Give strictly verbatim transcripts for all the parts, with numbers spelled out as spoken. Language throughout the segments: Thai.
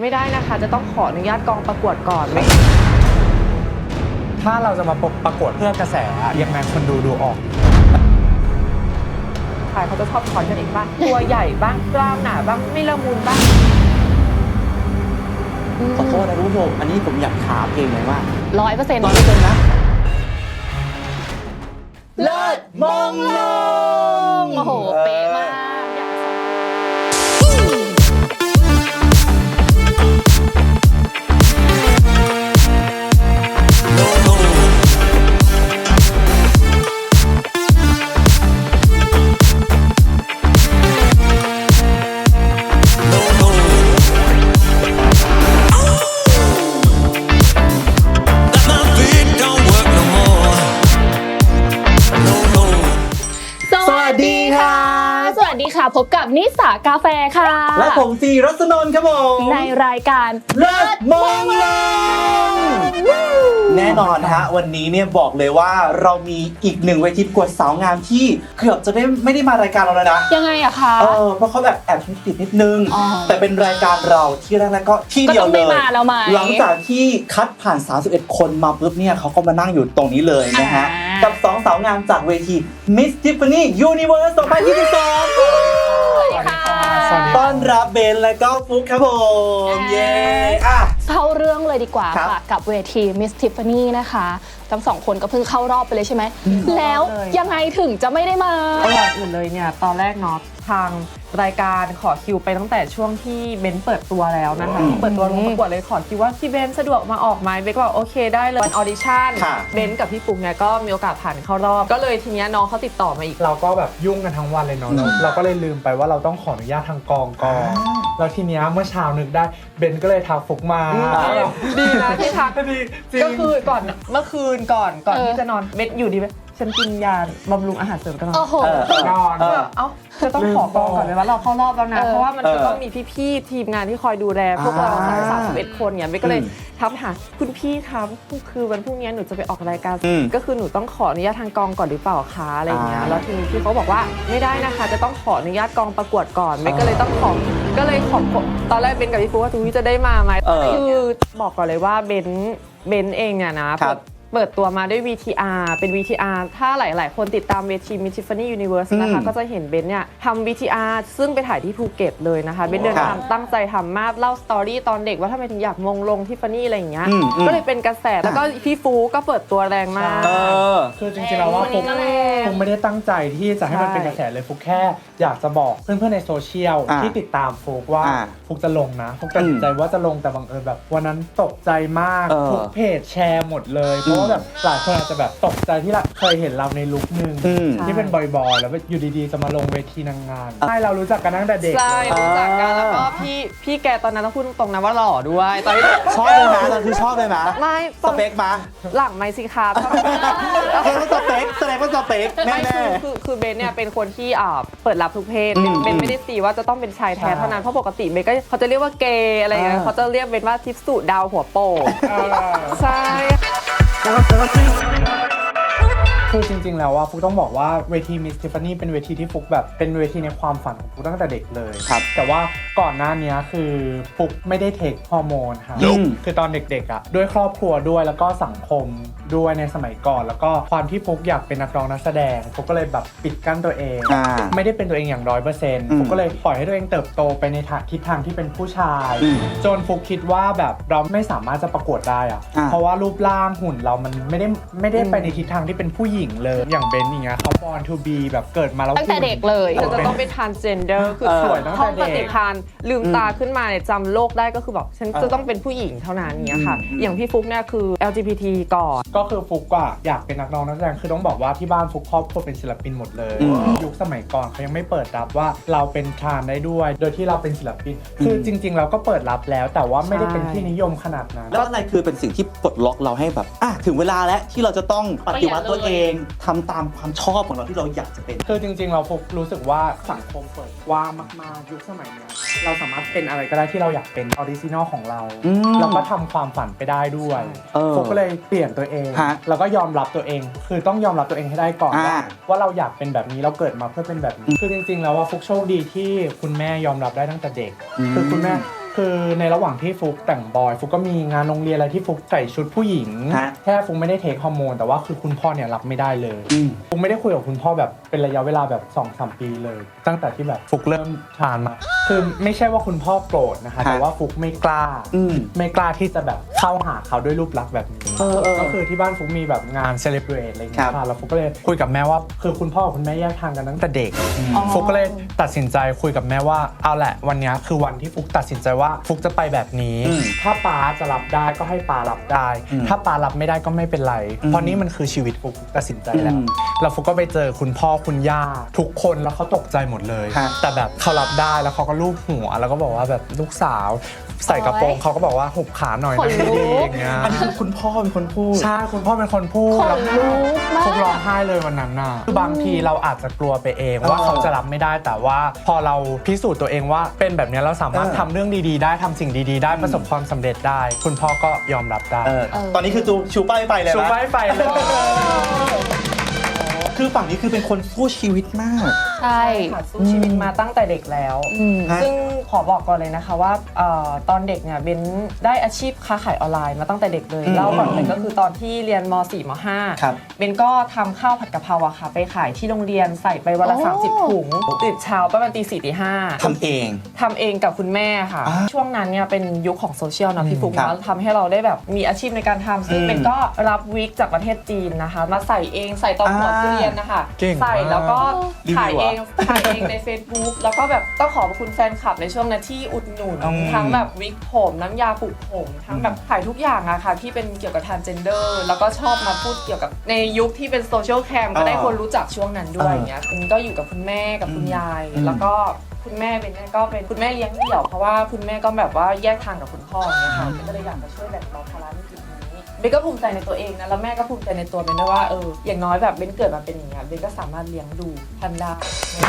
ไม่ได้นะคะจะต้องขออนุญาตกองประกวดก่อนไหมถ้าเราจะมาประกวดเพื่อกระแสยังไงคนดูดูออกใครเขาจะชอบถอนกันเองบ้างตัวใหญ่บ้างกล้ามหนาบ้างไม่ละมุนบ้างขอโทษนะคุณผู้ชมอันนี้ผมอยากถามเองเลยว่าร้อยเปอร์เซ็นต์ร้อยเปอร์เซ็นต์นะเลิศมงลงโอ้โหเป๊ะมากพบกับนิสากาแฟค่ะและผมซีรัศนนท์ครับผมในรายการเลิศมงลงแน่นอนฮะวันนี้เนี่ยบอกเลยว่าเรามีอีกหนึ่งเวทีประกวดสาวงามที่เกือบจะไม่ไม่ได้มารายการเราแล้วนะยังไงอะคะเออเพราะเขาแบบแอบติดนิดนึงแต่เป็นรายการเราที่แรกๆก็ที่เดียวเลยหลังจากที่คัดผ่านสามสิบเอ็ดคนมาปุ๊บเนี่ยเขาก็มานั่งอยู่ตรงนี้เลยนะฮะกับสองสาวงามจากเวที Miss Tiffany Universe สองพันยี่สิบสองต้อนรับเบนและก็ฟุกครับผมเย้อ่ะเข้าเรื่องเลยดีกว่าค่ะกับเวที Miss Tiffany นะคะทั้งสองคนก็เพิ่งเข้ารอบไปเลยใช่ไหมแล้วยังไงถึงจะไม่ได้มาก่อนอื่นเลยเนี่ยตอนแรกเนาะทางรายการขอคิวไปตั้งแต่ช่วงที่เบนเปิดตัวแล้วนะคะเปิดตัวลงประกวดเลยขอคิวว่าพี่เบนสะดวกมาออกไหมเบนก็บอกโอเคได้เลยวันออดิชั่นเบนกับพี่ปุ๊กเนี่ยก็มีโอกาสผ่านเข้ารอบก็เลยทีนี้น้องเขาติดต่อมาอีกเราก็แบบยุ่งกันทั้งวันเลยเนาะเราก็เลยลืมไปว่าเราต้องขออนุญาตทางกองก่อนแล้วทีนี้เมื่อเช้านึกได้เบนก็เลยทักฟุกมาดีนะที่ทักก็คือก่อนเมื่อคืนก่อนก่อนที่จะนอนเบนอยู่ดีไหมฉันกินยาบำรุงอาหารเสริมตลอดนอนเอ้าจะต้องขอกองก่อนเลยว่าเราเข้ารอบแล้วนะเพราะว่ามันจะต้องมีพี่ๆทีมงานที่คอยดูแลพวกเราทั้งสามสิบเอ็ดคนเนี่ยเบนก็เลยทักหาคุณพี่ครับคือวันพรุ่งนี้หนูจะไปออกรายการก็คือหนูต้องขออนุญาตทางกองก่อนหรือเปล่าคะอะไรอย่างเงี้ยแล้วทีนี้พี่เขาบอกว่าไม่ได้นะคะจะต้องขออนุญาตกองประกวดก่อนเบนก็เลยต้องขอก็เลยขอตอนแรกเบนกับพี่ฟูว่าทูจะได้มาไหมคือบอกก่อนเลยว่าเบนเบนเองเนี่ยนะเปิดตัวมาด้วย วี ที อาร์ เป็น วี ที อาร์ ถ้าหลายๆคนติดตามเวที Miss Tiffany Universe นะคะก็จะเห็นเบนเนี่ยทำ วี ที อาร์ ซึ่งไปถ่ายที่ภูเก็ตเลยนะคะเบนเดินทางตั้งใจทำมากเล่าสตอรี่ตอนเด็กว่าทำไมถึงอยากมงลงทิฟฟานี่อะไรอย่างเงี้ยก็เลยเป็นกระแสแล้วก็พี่ฟูก็เปิดตัวแรงมากคือจริงๆแล้วว่าฟุกคงไม่ได้ตั้งใจที่จะให้มันเป็นกระแสเลยฟุกแค่อยากจะบอกเพื่อนๆในโซเชียลที่ติดตามฟุกว่าฟุกจะลงนะฟุกตัดสินใจว่าจะลงแต่บังเอิญแบบวันนั้นตกใจมากทุกเพจแชร์หมดเลยเพราะว่าแบบหลายคนอาจจะแบบตกใจที่เคยเห็นเราในลุคนึงที่เป็นบอยๆแล้วอยู่ดีๆจะมาลงเวทีนางงามใช่เรารู้จักกันตั้งแต่เด็กใช่รู้จักกันแล้วก็พี่พี่แกตอนนั้นต้องพูดตรงๆนะว่าหล่อด้วยตอนที่ชอบเลยนะตอนคือชอบเลยนะไม่สเปคมาหลังไม่สิคะแสดงว่าสเปคแสดงว่าสเปคแน่ๆคือคือเบนเนี่ยเป็นคนที่อ่าเปิดรับทุกเพศเบนไม่ได้ตีว่าจะต้องเป็นชายแท้เท่านั้นเพราะปกติเบนก็เขาจะเรียกว่าเกย์อะไรอย่างเงี้ยเขาจะเรียกเบนว่าทิพสุดาวหัวโปกใช่คือจริงๆแล้วว่าฟุกต้องบอกว่าเวที Miss Tiffany เป็นเวทีที่ฟุกแบบเป็นเวทีในความฝันของฟุกตั้งแต่เด็กเลยครับแต่ว่าก่อนหน้านี้คือฟุกไม่ได้เทคฮอร์โมนค่ะคือตอนเด็กๆอ่ะด้วยครอบครัวด้วยแล้วก็สังคมด้วยในสมัยก่อนแล้วก็ความที่ฟุกอยากเป็นนักร้องนักแสดงฟุกก็เลยแบบปิดกั้นตัวเองไม่ได้เป็นตัวเองอย่างร้อยเปอร์เซ็นต์ฟุกก็เลยปล่อยให้ตัวเองเติบโตไปในทิศทางที่เป็นผู้ชายจนฟุกคิดว่าแบบเราไม่สามารถจะประกวดได้อ่ะเพราะว่ารูปร่างหุ่นเรามันไม่ได้ไม่ได้ไปในทิศทางที่เป็นผู้หญิงเลยอย่างเบนอย่างเงี้ยเขา born to be แบบเกิดมาแล้วตั้งแต่เด็กเลยจะต้องเป็น transgender คือสวยตั้งแต่เด็กท่องปฏิภาณลืมตาขึ้นมาเนี่ยจำโลกได้ก็คือแบบฉันจะต้องเป็นผู้หญิงเท่านั้นเนี้ยค่ะอย่างพี่ฟุกเนี่ยคือ แอล จี บี ที ก่อนก็คือฟุกอะอยากเป็นนักร้องนักแสดงคือต้องบอกว่าที่บ้านฟุกครอบครัวเป็นศิลปินหมดเลยยุคสมัยก่อนเขายังไม่เปิดรับว่าเราเป็นทรานได้ด้วยโดยที่เราเป็นศิลปินคือจริงๆเราก็เปิดรับแล้วแต่ว่าไม่ได้เป็นที่นิยมขนาดนั้นแล้วอะไรคือเป็นสิ่งที่ปลดล็อกเราให้แบบอ่ะถึงเวลาแล้วที่เราจะต้องปฏิวัติตัวเองทำตามความชอบของเราที่เราอยากจะเป็นคือจริงๆเราฟุกรู้สึกว่าสังคมเปิดกว้างมากๆยุคสมัยนี้เราสามารถเป็นอะไรก็ได้ที่เราอยากเป็นออริจินอลของเราเราก็ทำความฝันไปได้ด้วยฟุกก็เลยเปลี่ยนตัวเองแล้วก็ยอมรับตัวเองคือต้องยอมรับตัวเองให้ได้ก่อนว่าว่าเราอยากเป็นแบบนี้เราเกิดมาเพื่อเป็นแบบนี้คือจริงๆแล้วว่าฟุกโชคดีที่คุณแม่ยอมรับได้ตั้งแต่เด็กคือคุณแม่คือในระหว่างที่ฟุกแต่งบอยฟุกก็มีงานโรงเรียนอะไรที่ฟุกใส่ชุดผู้หญิงแค่ฟุกไม่ได้เทคฮอร์โมนแต่ว่าคือคุณพ่อเนี่ยรับไม่ได้เลยฟุกไม่ได้คุยกับคุณพ่อแบบเป็นระยะเวลาแบบ สองถึงสาม ปีเลยตั้งแต่ที่แบบฟุกเริ่มทานมาคือไม่ใช่ว่าคุณพ่อโกรธนะคะแต่ว่าฟุกไม่กล้าไม่กล้าที่จะแบบเข้าหาเขาด้วยรูปลักษณ์แบบนี้ก็คือที่บ้านฟุกมีแบบงานเซเลบเรตอะไรอย่างเงี้ยค่ะแล้วฟุกก็เลยคุยกับแม่ว่าคือคุณพ่อกับคุณแม่แยกทางกันตั้งแต่เด็กฟุกก็เลยตัดสินใจคุยกับแม่ว่าเอาแหละวันนี้คือวันที่ฟุกตัดสินใจว่าฟุกจะไปแบบนี้ถ้าป๊าจะรับได้ก็ให้ป๊ารับได้ถ้าป๊ารับไม่ได้ก็ไม่เป็นไรเพราะนี่มันคือชีวิตฟุกตัดสินใจแล้วแล้วฟุกก็ไปเจอคุณพ่อคุณย่าทุกคนแล้วเขาตกใจหมดเลยแต่แบบเขารับได้แล้วเขาก็ลูบหัวแล้วก็บอกว่าแบบลูกสาวใส่กระโปรงเขาก็บอกว่าหุบขาหน่อยนะดีๆอย่างเงี้ยอันนี้คือคุณพ่อเป็นคนพูดใช่คุณพ่อเป็นคนพูดแล้วฟุกร้องไห้เลยวันนั้นน่ะคือบางทีเราอาจจะกลัวไปเองว่าเขาจะรับไม่ได้แต่ว่าพอเราพิสูจน์ตัวเองว่าเป็นแบบนี้เราสามารถทำเรื่องดีๆได้ทำสิ่งดีๆได้ประสบความสำเร็จได้คุณพ่อก็ยอมรับได้ตอนนี้คือจูชูป้ายไฟเลยนะชูป้ายไฟเลยคือฝั่งนี้คือเป็นคนสู้ชีวิตมากใช่ค่ะสู้ชีวิตมาตั้งแต่เด็กแล้วซึ่งขอบอกก่อนเลยนะคะว่าตอนเด็กเนี่ยเบนได้อาชีพค้าขายออนไลน์มาตั้งแต่เด็กเลยเล่าก่อนเลยก็คือตอนที่เรียนม สี่ ม ห้าเบนก็ทำข้าวผัดกะเพราอะค่ะไปขายที่โรงเรียนใส่ไปวันละสามสิบถุงตื่นเช้าประมาณตีสี่ตีห้าทำเองทำเองกับคุณแม่ค่ะช่วงนั้นเนี่ยเป็นยุคของโซเชียลนะพี่ฟุ๊กนะทำให้เราได้แบบมีอาชีพในการทำซึ่งเบนก็รับวิกจากประเทศจีนนะคะมาใส่เองใส่ตอนหัวทุเรียนนะคะใส่แล้วก็ขายเองขายเองใน Facebook แล้วก็แบบต้องขอบคุณแฟนคลับในช่วงนั้นที่อุดหนุนทั้งแบบวิกผมน้ำยาปลุกผมทั้งแบบขายทุกอย่างอะค่ะที่เป็นเกี่ยวกับทรานส์เจนเดอร์แล้วก็ชอบมาพูดเกี่ยวกับในยุคที่เป็นโซเชียลแคมก็ได้คนรู้จักช่วงนั้นด้วยอย่างเงี้ยก็อยู่กับคุณแม่กับคุณยายแล้วก็คุณแม่เป็นก็เป็นคุณแม่เลี้ยงเดี่ยวเพราะว่าคุณแม่ก็แบบว่าแยกทางกับคุณพ่ออย่างเงี้ยค่ะก็เลยอยากจะช่วยแบ่งเบาภาระในจุดนี้เบนก็ภูมิใจในตัวเองนะแล้วแม่ก็ภูมิใจในตัวเบนด้วยว่าเอออย่างน้อยแบบเบนเกิดมาเป็นอย่างเงี้ยเบนก็สามารถเลี้ยงดูท่านได้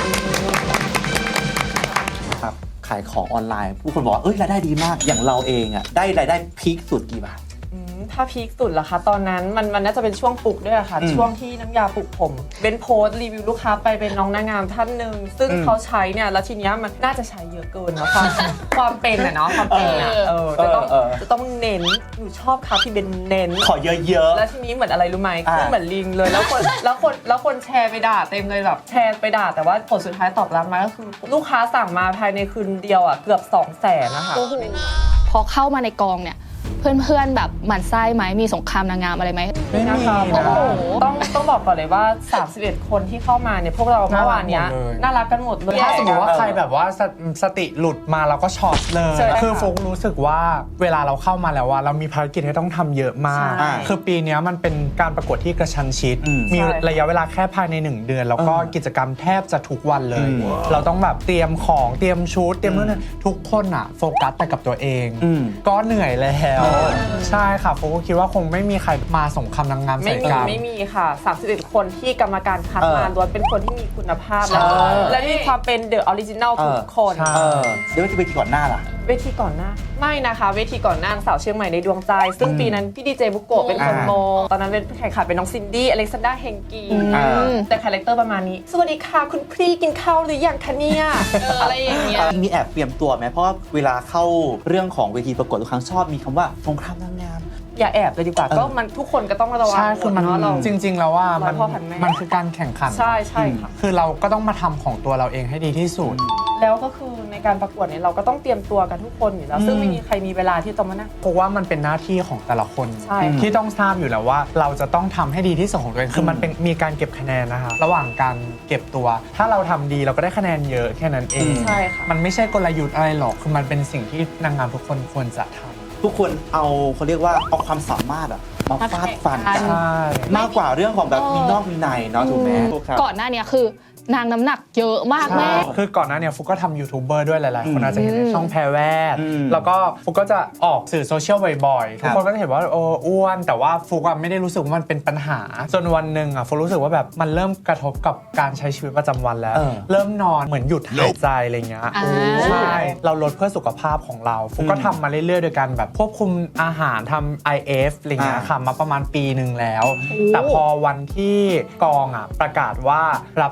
ครับขายของออนไลน์ผู้คนบอกว่าเอ้ยรายได้ดีมากอย่างเราเองอ่ะได้รายได้พีคสุดกี่บาทถ้าพีคสุดล่ะคะตอนนั้นมันมันน่าจะเป็นช่วงปลุกด้วยค่ะช่วงที่น้ำยาปลุกผมเป็นโพสต์รีวิวลูกค้าไปเป็นน้องนางงามท่านหนึ่งซึ่งเขาใช้เนี่ยแล้วทีเนี้ยมันน่าจะใช้เยอะเกินเนาะความความเป็นอะเนาะความเป็นอะเออจะต้องจะต้องเน้นหนูชอบค่ะที่เป็นเน้นขอเยอะๆแล้วทีนี้เหมือนอะไรรู้ไหมคือเหมือนลิงเลยแล้วคนแล้วคนแล้วคนแชร์ไปด่าเต็มเลยแบบแชร์ไปด่าแต่ว่าผลสุดท้ายตอบรับมาก็คือลูกค้าสั่งมาภายในคืนเดียวอะเกือบสองแสนนะคะพอเข้ามาในกองเนี่ยเพื่อนๆแบบหมั่นไส้ไหมมีสงครามนางงามอะไรไหมไม่มีนะต้องต้องบอกก่อนเลยว่าสามสิบเอ็ดคนที่เข้ามาเนี่ยพวกเราเมื่อวานนี้น่ารักกันหมดเลยถ้าสมมติว่าใครแบบว่าสติหลุดมาเราก็ช็อตเลยคือฟุกรู้สึกว่าเวลาเราเข้ามาแล้วว่าเรามีภารกิจที่ต้องทำเยอะมากคือปีนี้มันเป็นการประกวดที่กระชั้นชิดมีระยะเวลาแค่ภายในหนึ่งเดือนแล้วก็กิจกรรมแทบจะทุกวันเลยเราต้องแบบเตรียมของเตรียมชุดเตรียมนู่นทุกคนอะโฟกัสแต่กับตัวเองก็เหนื่อยแล้วใช่ค่ะโฟก็คิดว่าคงไม่มีใครมาสงครามนางงามใส่กันไม่มีค่ะสามสิบเอ็ดคนที่กรรมการคัดมาล้วนเป็นคนที่มีคุณภาพแล้วและมีความเป็นเดอะออริจินัลทุกคนเดี๋ยวจะไปที่ก่อนหน้าล่ะเวทีก่อนหน้าไม่นะคะเวทีก่อนหน้าสาวเชียงใหม่ในดวงใจซึ่งปีนั้นพี่ดีเจบุโกะเป็นคนโมตอนนั้นเป็นแข่งขันเป็นน้องซินดี้อเล็กซานดราเฮงกีแต่คาแรคเตอร์ประมาณนี้สวัสดีค่ะคุณพี่กินข้าวหรือยังคะเนี่ยอะไรอย่างเงี้ยมีแอบเตรียมตัวไหมเพราะว่าเวลาเข้าเรื่องของเวทีประกวดทุกครั้งชอบมีคำว่าสงครามนางงามอย่าแอบเลยดีกว่าก็มันทุกคนก็ต้องระวังใช่คือมันเราจริงๆแล้วว่ามันมันคือการแข่งขันใช่ใช่ค่ะคือเราก็ต้องมาทำของตัวเราเองให้ดีที่สุดแล้วก็คือในการประกวดเนี่ยเราก็ต้องเตรียมตัวกันทุกคนอยู่แล้วซึ่งไม่มีใครมีเวลาที่จะมานั่งเพราะว่ามันเป็นหน้าที่ของแต่ละคนที่ต้องทราบอยู่แล้วว่าเราจะต้องทำให้ดีที่สุดของตัวเองคือมันเป็นมีการเก็บคะแนนนะคะระหว่างการเก็บตัวถ้าเราทำดีเราก็ได้คะแนนเยอะแค่นั้นเองใช่ค่ะมันไม่ใช่กลยุทธ์อะไรหรอกคือมันเป็นสิ่งที่นางงามทุกคนควรจะทำทุกคนเอาเขาเรียกว่าเอาความสามารถอะมาฟาดฟันกันมากกว่าเรื่องของแบบมีนอกมีในเนาะถูกไหมก่อนหน้านี้คือนางน้ำหนักเยอะมากแม่คือก่อนหน้านี้ฟุกก็ทำยูทูบเบอร์ด้วยหลายๆคนอาจจะเห็นในช่องแพรแวดแล้วก็ฟุกก็จะออกสื่อโซเชียลบ่อยๆทุกคนก็จะเห็นว่าโอ้อ้วนแต่ว่าฟุกอะไม่ได้รู้สึกว่ามันเป็นปัญหาจนวันหนึ่งอะฟุกรู้สึกว่าแบบมันเริ่มกระทบกับการใช้ชีวิตประจำวันแล้วเริ่มนอนเหมือนหยุดหายใจอะไรเงี้ยใช่เราลดเพื่อสุขภาพของเราฟุกก็ทำมาเรื่อยๆโดยการแบบควบคุมอาหารทำ ไอ เอฟ อะไรเงี้ยค่ะมาประมาณปีหนึ่งแล้วแต่พอวันที่กองอะประกาศว่ารับสมัคร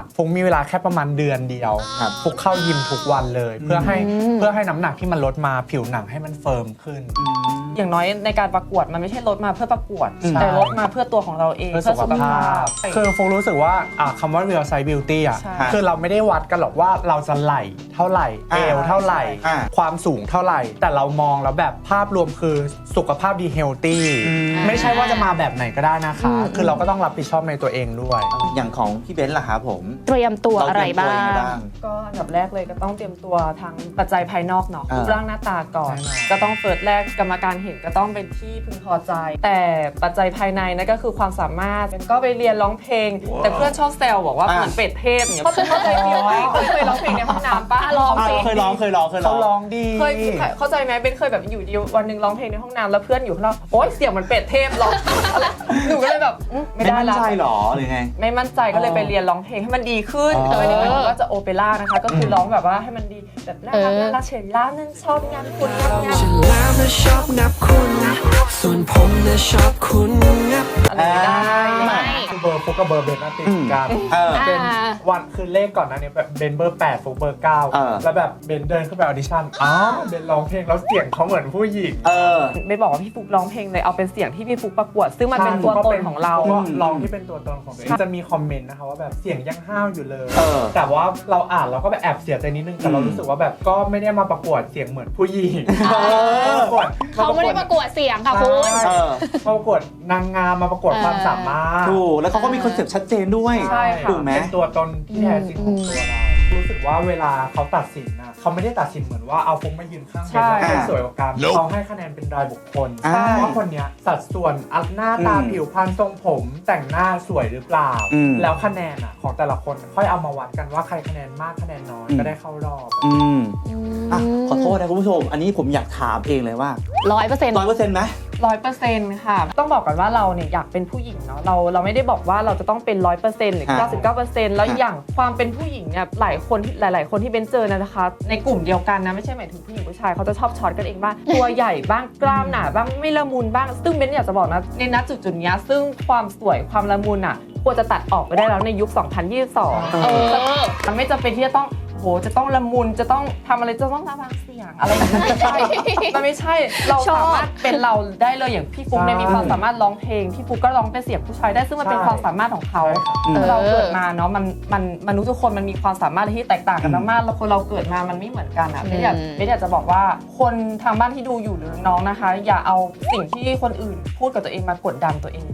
ฟุกมีเวลาแค่ประมาณเดือนเดียวฟุกเข้ายิมทุกวันเลย เพื่อให้เพื่อให้น้ำหนักที่มันลดมาผิวหนังให้มันเฟิร์มขึ้นอย่างน้อยในการประกวดมันไม่ใช่ลดมาเพื่อประกวดแต่ลดมาเพื่อตัวของเราเองเพื่อสุขภาพคือฟุกรู้สึกว่าคำว่า real size beauty อ่ะคือเราไม่ได้วัดกันหรอกว่าเราจะไหล่เท่าไหร่เอวเท่าไหร่ความสูงเท่าไหร่แต่เรามองแล้วแบบภาพรวมคือสุขภาพดีเฮลตี้ไม่ใช่ว่าจะมาแบบไหนก็ได้นะคะคือเราก็ต้องรับผิดชอบในตัวเองด้วยอย่างของพี่เบนซ์ล่ะครับผมเตรียมตัวอะไรบ้างก็อันดับแรกเลยก็ต้องเตรียมตัวทั้งปัจจัยภายนอกเนาะรูปร่างหน้าตาก่อนก็ต้องเฟิร์สแรกกรรมการเห็นก็ต้องเป็นที่พึงพอใจแต่ปัจจัยภายในนั่นก็คือความสามารถก็ไปเรียนร้องเพลงแต่เพื่อนชอบแซวบอกว่าเหมือนเป็ดเทพเนี่ยเขาเคยเรียนเคยร้องเพลงในห้องน้ำป้าร้องเคยร้องเคยร้องเคยร้องเขาร้องดีเคยเข้าใจไหมเป็นเคยแบบอยู่ดีวันนึงร้องเพลงในห้องน้ำแล้วเพื่อนอยู่ข้างนอกโอ๊ยเสียงมันเป็ดเทพร้องหนูก็เลยแบบไม่ได้ละไม่มั่นใจหรอหรือไงไม่มั่นใจก็เลยไปเรียนร้องเพลงให้มันดีขึ้นแต่ไม่ได้หมายถึงว่าจะโอเปร่านะคะก็คือร้องแบบว่าให้มันดีแบบน่ารักน่ารักเฉยล่านั่นชอบงานคุณงานฉันแล้วนะชอบงับคุณส่วนผมนะชอบคุณงับอะไรได้คือเบอร์ฟุกกับเบอร์เบนน่ะติดกันเป็นวันคือเลขก่อนนะเนี่ยแบบเบนเบอร์แปดฟุกเบอร์เก้าแล้วแบบเบนเดินขึ้นไปออดิชั่นอ๋อเบนร้องเพลงแล้วเสียงเขาเหมือนผู้หญิงเออไม่บอกว่าพี่ฟุกร้องเพลงเลยเอาเป็นเสียงที่พี่ฟุกประกวดซึ่งมันเป็นตัวตนของเราก็ร้องที่เป็นตัวตนของตัวเองจะมีคอมเมนต์นะคะว่าแบบเสียงยังห้าวอยู่เลยแต่ว่าเราอ่านเราก็แบบแอบเสียใจนิดนึงแต่เรารู้สึกว่าแบบก็ไม่ได้มาประกวดเสียงเหมือนผู้หญิงเขาไม่ได้ประกวดเสียงค่ะคุณมาประกวดนางงามมาประกวดความสามารถถูกแล้วเขาก็มีคอนเซ็ปต์ชัดเจนด้วยถูกไหมเป็นตัวตนที่แท้จริงของตัวเรารู้สึกว่าเวลาเขาตัดสินนะเขาไม่ได้ตัดสินเหมือนว่าเอาฟุกมายืนข้างเป็นแล้วใครสวยกว่ากันเขาให้คะแนนเป็นรายบุคคลว่าคนนี้สัดส่วนหน้าตาผิวพรรณทรงผมแต่งหน้าสวยหรือเปล่าแล้วคะแนนอ่ะของแต่ละคนค่อยเอามาวัดกันว่าใครคะแนนมากคะแนนน้อยก็ได้เข้ารอบอืมอ่ะขอโทษนะคุณผู้ชมอันนี้ผมอยากถามเองเลยว่าร้อยเปอร์เซ็นต์ร้อยเปอร์เซ็นต์ไหมร้อยเปอร์เซ็นต์ค่ะต้องบอกก่อนว่าเราเนี่ยอยากเป็นผู้หญิงเนาะเราเราไม่ได้บอกว่าเราจะต้องเป็นร้อยเปอร์เซ็นต์หรือเก้าสิบเก้าเปอร์เซ็นต์แล้วอย่างความเป็นผู้หญิงเนี่ยหลายคนหลายๆคนที่เบนเจอนะคะในกลุ่มเดียวกันนะไม่ใช่หมายถึงผู้หญิงผู้ชายเขาจะชอบช็อตกันเองบ้างตัวใหญ่บ้างกล้ามหนาบ้างไม่ละมุนบ้างซึ่งเบนอยากจะบอกนะในณจุดจุดนี้ซึ่งความสวยความละมุนอ่ะควรจะตัดออกไปได้แล้วในยุคสองพันยี่สิบสองเออมันไม่จำเป็นที่จะต้องโหจะต้องละมุนจะต้องทำอะไรจะต้องระวังเสียงอะไรอย่างนี้ไม่ใช่มันไม่ใช่เราสามารถเป็นเราได้เลยอย่างพี่ฟุ๊กเนี่ยมีความสามารถร้องเพลงพี่ฟุ๊กก็ร้องเป็นเสียงผู้ชายได้ซึ่งมันเป็นความสามารถของเขาเราเกิดมาเนาะมันมันมนุษย์ทุกคนมันมีความสามารถที่แตกต่างกันมากๆแล้วคนเราเกิดมามันไม่เหมือนกันอ่ะไม่อยากไม่อยากจะบอกว่าคนทางบ้านที่ดูอยู่หรือน้องนะคะอย่าเอาสิ่งที่คนอื่นพูดกับตัวเองมากดดันตัวเอง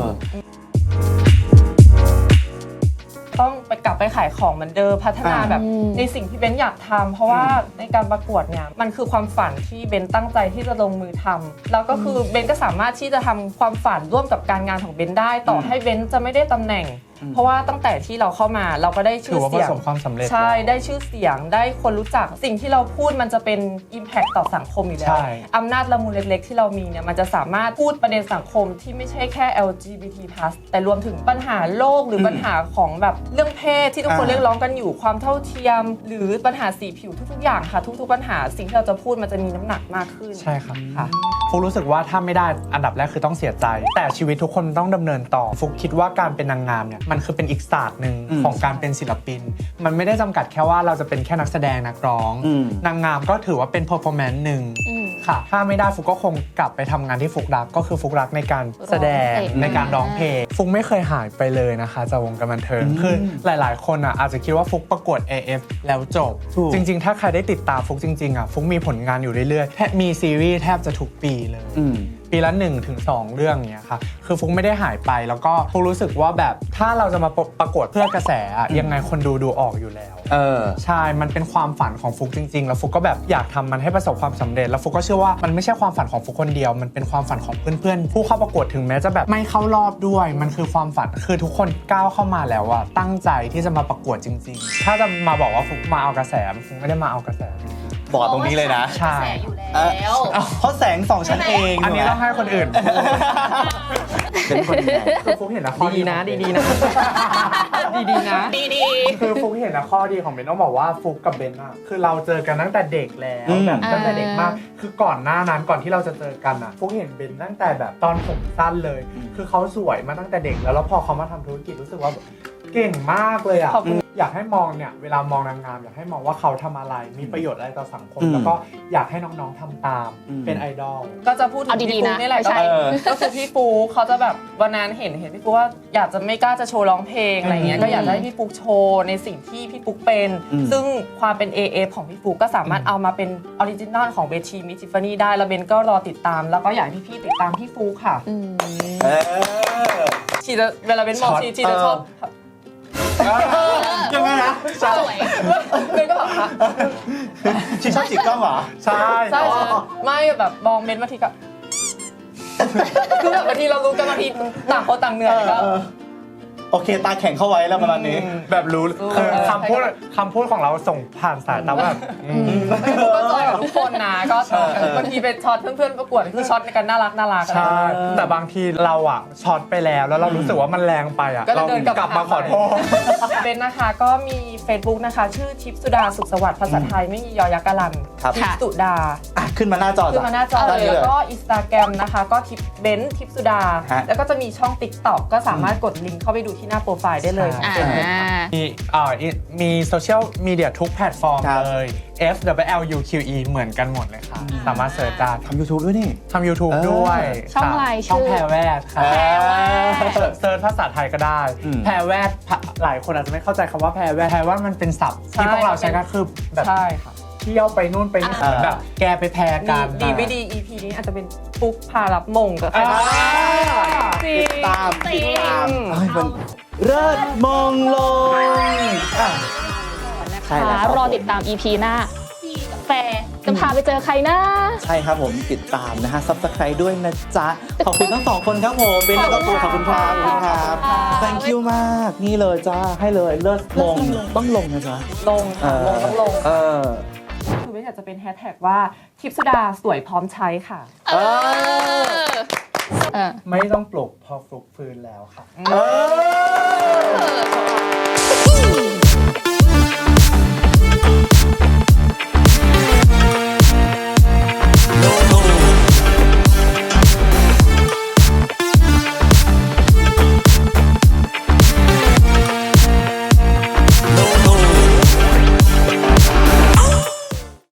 ต้องไปกลับไปขายของเหมือนเดิมพัฒนาแบบในสิ่งที่เบนอยากทำเพราะว่าในการประกวดเนี่ยมันคือความฝันที่เบนตั้งใจที่จะลงมือทำแล้วก็คือเบนก็สามารถที่จะทำความฝันร่วมกับการงานของเบนได้ต่อให้เบนจะไม่ได้ตำแหน่งเพราะว่าตั้งแต่ที่เราเข้ามาเราก็ได้ชื่อเสียงใช่ได้ชื่อเสียงได้คนรู้จักสิ่งที่เราพูดมันจะเป็น impact ต่อสังคมอยู่แล้วอำนาจละมุนเล็กๆที่เรามีเนี่ยมันจะสามารถพูดประเด็นสังคมที่ไม่ใช่แค่ แอล จี บี ที พลัส แต่รวมถึงปัญหาโลกหรือปัญหาของแบบเรื่องเพศที่ทุกคนเรียกร้องกันอยู่ความเท่าเทียมหรือปัญหาสีผิวทุกๆอย่างค่ะทุกๆปัญหาสิ่งที่เราจะพูดมันจะมีน้ำหนักมากขึ้นใช่ครับค่ะฟุกรู้สึกว่าถ้าไม่ได้อันดับแรกคือต้องเสียใจแต่ชีวิตทุกคนต้องดำเนินต่อฟุกคิดว่าการเป็นนางงามเนี่ยมันคือเป็นอีกศาสตร์หนึ่งของการเป็นศิลปินมันไม่ได้จำกัดแค่ว่าเราจะเป็นแค่นักแสดงนักร้องนางงามก็ถือว่าเป็น performance หนึ่งค่ะถ้าไม่ได้ฟุกก็คงกลับไปทำงานที่ฟุกรักก็คือฟุกรักในการแสดงในการร้องเพลงฟุกไม่เคยหายไปเลยนะคะจากวงการบันเทิงคือหลายๆคนอ่ะอาจจะคิดว่าฟุกประกวด เอ เอฟ แล้วจบจริงๆถ้าใครได้ติดตามฟุกจริงๆอ่ะฟุกมีผลงานอยู่เรื่อยๆแทบมีซีรีส์แทบจะทุกปีเลยปีละ หนึ่งถึงสอง เรื่องเนี้ยค่ะคือฟุกไม่ได้หายไปแล้วก็ฟุกรู้สึกว่าแบบถ้าเราจะมาประกวดเพื่อกระแสอะยังไงคนดูดูออกอยู่แล้วเออใช่มันเป็นความฝันของฟุกจริงๆแล้วฟุกก็แบบอยากทำมันให้ประสบความสำเร็จแล้วฟุกก็เชื่อว่ามันไม่ใช่ความฝันของฟุกคนเดียวมันเป็นความฝันของเพื่อนๆผู้เข้าประกวดถึงแม้จะแบบไม่เข้ารอบด้วยมันคือความฝันคือทุกคนก้าวเข้ามาแล้วอะตั้งใจที่จะมาประกวดจริงๆถ้าจะมาบอกว่าฟุกมาเอากระแสฟุกไม่ได้มาเอากระแสบอกตรงนี้เลยนะใช่แล้วเพราะแสงสองชั้นเองอันนี้ต้องให้คนอื่นเป็นคนยังไงคือฟุกเห็นนะข้อดีนะดีๆนะดีๆนะดีๆคือฟุกเห็นนะข้อดีของเบนต้องบอกว่าฟุกกับเบนอะคือเราเจอกันตั้งแต่เด็กแล้วแบบตั้งแต่เด็กมากคือก่อนหน้านั้นก่อนที่เราจะเจอกันอะฟุกเห็นเบนตั้งแต่แบบตอนผมสั้นเลยคือเขาสวยมาตั้งแต่เด็กแล้วแล้วพอเขามาทำธุรกิจรู้สึกว่าเก่งมากเลยอะอยากให้มองเนี่ยเวลามองนางงามอยากให้มองว่าเขาทำอะไรมีประโยชน์อะไรต่อสังคมอืมแล้วก็อยากให้น้องๆทำตามอืมเป็นไอดอลก็จะพูดถึเอางดีพี่ๆฟุ๊นะกนี่แหละไม่ใช่ก็ก็คือพี่ฟุ๊กเขาจะแบบวันนั้นเห็นเห็นพี่ฟุ๊กว่าอยากจะไม่กล้าจะโชว์ร้องเพลงอะไรเงี้ยก็อยากจะให้พี่ฟุ๊กโชว์ในสิ่งที่พี่ฟุ๊กเป็นอืมซึ่งความเป็น เอ เอฟ ของพี่ฟุ๊กก็สามารถเอามาเป็นออริจินอลของเวทีมิสทิฟฟานี่ได้แล้วเบนก็รอติดตาม แล้วก็อยากให้พี่ๆติดตามพี่ฟุ๊กค่ะอืมเออชีจะเวลาเบนมองช็อตชีชีจะชอบยังไงนะสวยเบนก็แบบฮะชิชอบจิกกล้องเหรอใช่ใช่ใช่ไม่แบบมองเบนบางทีก็คือแบบบางทีเรารู้กันบางทีต่างคนต่างเหนื่อยก็เออโอเคตาแข็งเข้าไว้แล้วประมาณนี้แบบรู้รู้คือเออคำพูดคำพูดของเราส่งผ่านสายตาแบบอืมไม่รู้ก็จอยกับทุกคนนะก็เออเออบางทีเป็นช็อตเพื่อนๆประกวดคือช็อตในการน่ารักน่ารักใช่ แต่บางทีเราอ่ะช็อตไปแล้วแล้วเรารู้สึกว่ามันแรงไปอ่ะก็จะเราเดินกลับกลับมาขอโทษเป็นนะคะก็มี Facebook นะคะ ชื่อทิพย์สุดาสุขสวัสดิ์ภาษาไทยไม่มียอยักษ์กะลันครับทิพย์สุดาอ่ะขึ้นมาหน้าจอขึ้นมาหน้าจอได้เลยแล้วก็อินสตาแกรมนะคะ ก็ทิพย์เบนซ์ทิพย์สุดาฮะแล้วก็จะมีช่อง TikTok ก็สามารถกดลิงก์เข้าไปดูที่หน้าโปรไฟล์ได้เลยอ่ามีอ่ามีโซเชียลมีเดียทุกแพลตฟอร์มครับเลย F W L U Q E เหมือนกันหมดเลยค่ะ สามารถเสิร์ชได้ทำ YouTube ด้วยนี่ทำ YouTube เออด้วยช่องอะไรช่องชื่อแพรแวดค่ะแพรแวดเสิร์ชเซิร์ชภาษาไทยก็ได้อืมแพรแวดพะหลายคนอาจจะไม่เข้าใจคำว่าแพรแวดแพรว่ามันเป็นศัพท์ที่ใช่พวกเราใช้กันคือแบบใช่ค่ะเที่ยวไปนู่นไปนี่อ่าเหมือนแบบแกไปแพรกันดีไม่ดี อี พี นี้อาจจะเป็นฟุกพารับมงกับใครอ่าจริติงดตามจริติงดตามเอ้ยมันเลิศมงลงอ่ะ ใช่แล้วครับรอติดตาม อี พี หน้าพี่กาแฟจะพาไปเจอใครนะใช่ครับผมติดตามนะฮะซับสไครต์ด้วยนะจ๊ะ ขอบคุณทั้งสองคนครับผมเบนแล้วก็ปูขอบคุณครับขอบคุณครับ thank you มาก นี่เลยจ้า ให้เลยเลิศมงต้องลงนะจ๊ะลงค่ะลงต้องลงเออคือไม่อยากจะเป็นแฮชแท็กว่าทิพย์สุดาสวยพร้อมใช้ค่ะเออเออไม่ต้องปลุกพอฟลุกฟื้นแล้วค่ะเออ